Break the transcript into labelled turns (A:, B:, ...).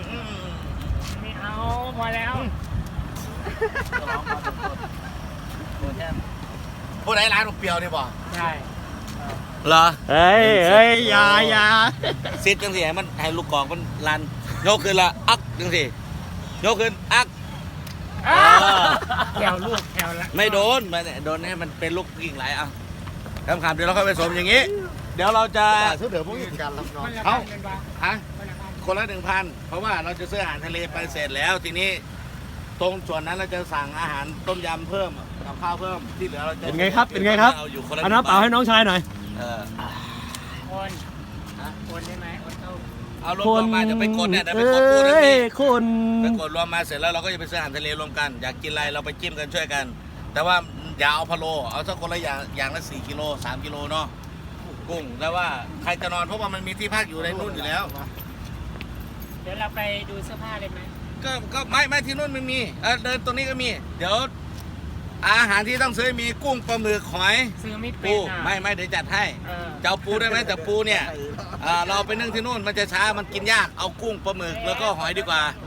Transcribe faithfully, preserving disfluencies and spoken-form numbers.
A: ไม่เอาพอแล้ว
B: ผู้ใดร้านเปรี้ยวนี่บ่
A: ใช่
B: เหรอ
C: เฮ้ยเฮ้ยอย่าอย่า
B: ซิดจังสิให้มันให้ลูกกองมันลันยกขึ้นละอักจังสิยกขึ้นอัก
A: แถวลูกแถวละ
B: ไม่โดนมันโดนให้มันเป็นลูกกิ่งไหลอ่ะคำคำเดี๋ยวเราค่อยไปสมอย่างนี้ เดี๋ยวเราจะ
D: เดี๋ยวพวกนี้การรับน้อง
A: เอา
B: ฮะคนละหนึ่งพันเพราะว่าเราจะซื้ออาหารทะเลไปเสร็จแล้วทีนี้ตรงส่วนนั้นเราจะสั่งอาหารต้มยำเพิ่มกับข้าวเพิ่มที่เหลือเราจะ
C: เป็นไงครับเป็นไงครับ
B: เอาอยู่คนละ
C: เอาน้ำเปล่าให้น้องชายหน่อย
B: เออ
A: โอนโอนได้ไหมโอนเข้า
B: เอารวมๆมาจะไปกดเนี่ยเดี๋ยวไป
C: เอ้
B: กดพูดนะ
C: ย
B: พี่
C: คุณ
B: ไปกดรวมมาเสร็จแล้วเราก็จะไปซื้ออาหารทะเลรวมกันอยากกินอะไรเราไปจิ้มกันช่วยกัน แต่ว่าอย่าเอาพะโลเอาสักคนละอย่างอย่างละสี่กิโลสามกิโลเนาะกุ้งแล้วว่าใครจะนอนเพราะว่ามันมีที่พักอยู่ในนู่นอยู่แล้ว
A: เดี๋ยวเราไปดูเสื้อผ้าเลยไหม
B: ก็ก็ไม่ไม่ที่นู่นมันมีเออเดินตรงนี้ก็มี เดี๋ยวอาหารที่ต้องซื้อมีกุ้งปลาหมึกหอย
A: ซื้อไม่เป็
B: ปู
A: นอ่ะ
B: ไม่ไม่เดี๋ยวจัดให้
A: เออ
B: จะเอาปูได้ไหมแต่ปูเนี่ยอ่าเราไปนึ่งที่นู่นมันจะช้ามันกินยากเอากุ้งปลาหมึกแล้วก็หอยดีกว่า
A: เ